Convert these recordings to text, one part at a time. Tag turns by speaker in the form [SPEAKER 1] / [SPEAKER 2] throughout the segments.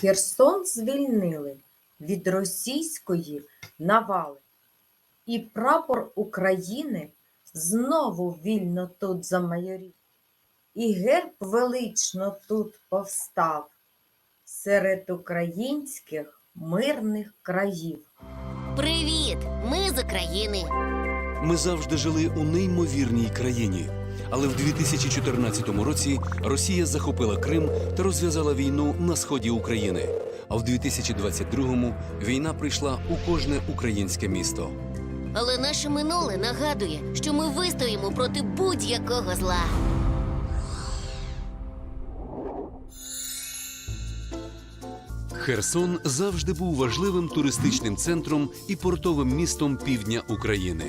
[SPEAKER 1] Херсон звільнили від російської навали, і прапор України знову вільно тут замайорів, і герб велично тут повстав серед українських мирних країв.
[SPEAKER 2] Привіт! Ми з України.
[SPEAKER 3] Ми завжди жили у неймовірній країні. Але в 2014 році Росія захопила Крим та розв'язала війну на сході України. А в 2022-му війна прийшла у кожне українське місто.
[SPEAKER 2] Але наше минуле нагадує, що ми вистоїмо проти будь-якого зла.
[SPEAKER 3] Херсон завжди був важливим туристичним центром і портовим містом півдня України.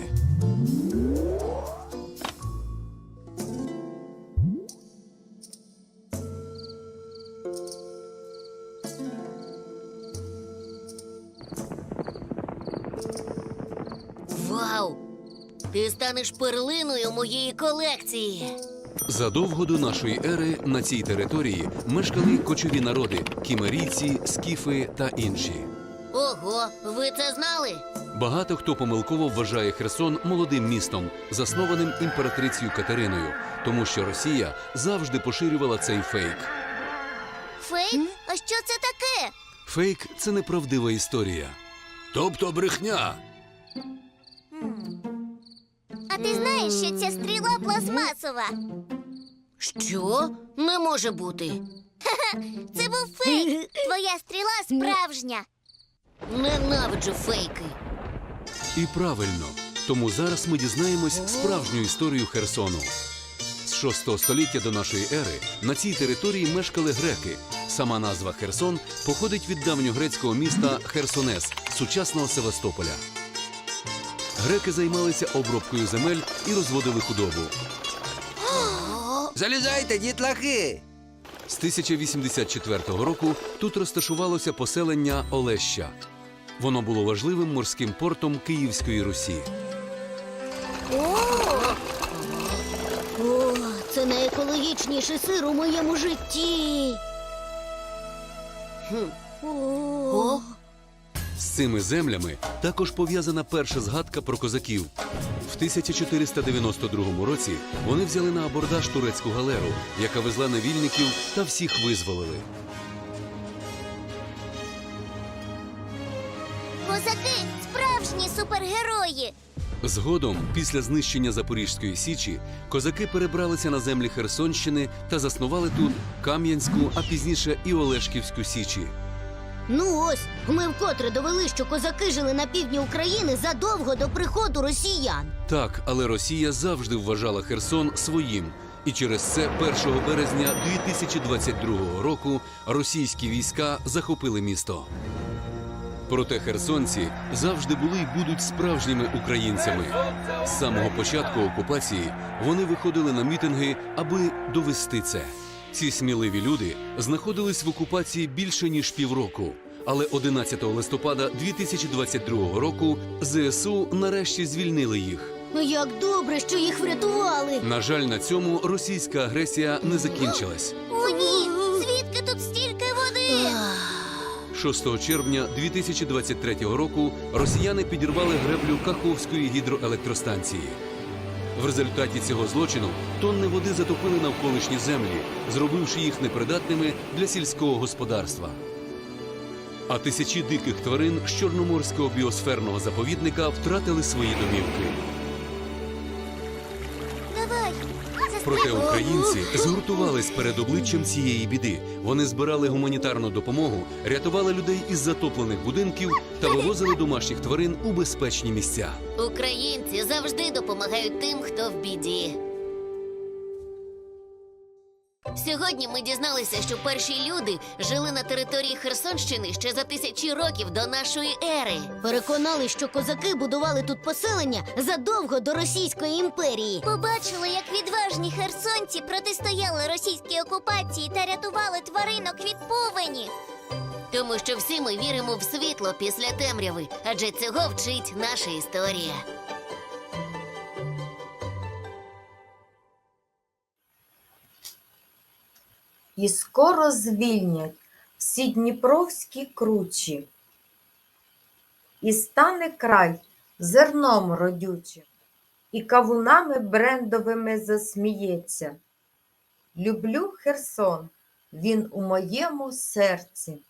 [SPEAKER 2] Вау! Ти станеш перлиною моєї колекції.
[SPEAKER 3] Задовго до нашої ери на цій території мешкали кочові народи – кімерійці, скіфи та інші.
[SPEAKER 2] Ого, ви це знали?
[SPEAKER 3] Багато хто помилково вважає Херсон молодим містом, заснованим імператрицею Катериною, тому що Росія завжди поширювала цей фейк.
[SPEAKER 2] Фейк? А що це таке?
[SPEAKER 3] Фейк – це неправдива історія. Тобто брехня.
[SPEAKER 4] А ти знаєш, що ця стріла пластмасова?
[SPEAKER 2] Що? Не може бути.
[SPEAKER 4] Це був фейк. Твоя стріла справжня.
[SPEAKER 2] Ненавиджу фейки.
[SPEAKER 3] І правильно. Тому зараз ми дізнаємось справжню історію Херсону. З 6 століття до нашої ери на цій території мешкали греки. Сама назва Херсон походить від давньогрецького міста Херсонес, сучасного Севастополя. Греки займалися обробкою земель і розводили худобу.
[SPEAKER 5] Залізайте, дітлахи!
[SPEAKER 3] З 1084 року тут розташувалося поселення Олеща. Воно було важливим морським портом Київської Русі.
[SPEAKER 4] О, це найекологічніший сир у моєму житті.
[SPEAKER 2] О,
[SPEAKER 3] З цими землями також пов'язана перша згадка про козаків. В 1492 році вони взяли на абордаж турецьку галеру, яка везла невільників та всіх визволили.
[SPEAKER 4] Козаки – справжні супергерої.
[SPEAKER 3] Згодом, після знищення Запорізької Січі, козаки перебралися на землі Херсонщини та заснували тут Кам'янську, а пізніше і Олешківську Січі.
[SPEAKER 4] Ну ось, ми вкотре довели, що козаки жили на півдні України задовго до приходу росіян.
[SPEAKER 3] Так, але Росія завжди вважала Херсон своїм. І через це 1 березня 2022 року російські війська захопили місто. Проте херсонці завжди були і будуть справжніми українцями. З самого початку окупації вони виходили на мітинги, аби довести це. Ці сміливі люди знаходились в окупації більше ніж півроку. Але 11 листопада 2022 року ЗСУ нарешті звільнили їх.
[SPEAKER 4] Як добре, що їх врятували.
[SPEAKER 3] На жаль, на цьому російська агресія не закінчилась.
[SPEAKER 4] О, ні! Звідки тут стільки води?
[SPEAKER 3] 6 червня 2023 року росіяни підірвали греблю Каховської гідроелектростанції. В результаті цього злочину тонни води затопили навколишні землі, зробивши їх непридатними для сільського господарства. А тисячі диких тварин з Чорноморського біосферного заповідника втратили свої домівки.
[SPEAKER 4] Давай!
[SPEAKER 3] Проте українці згуртувались перед обличчям цієї біди. Вони збирали гуманітарну допомогу, рятували людей із затоплених будинків та вивозили домашніх тварин у безпечні місця.
[SPEAKER 2] українці завжди допомагають тим, хто в біді. Сьогодні ми дізналися, що перші люди жили на території Херсонщини ще за тисячі років до нашої ери.
[SPEAKER 4] Переконали, що козаки будували тут поселення задовго до Російської імперії. Побачили, як відважні херсонці протистояли російській окупації та рятували тваринок від повені.
[SPEAKER 2] Тому що всі ми віримо в світло після темряви, адже цього вчить наша історія.
[SPEAKER 1] І скоро звільнять всі дніпровські кручі. І стане край зерном родючим, і кавунами брендовими засміється. Люблю Херсон, він у моєму серці.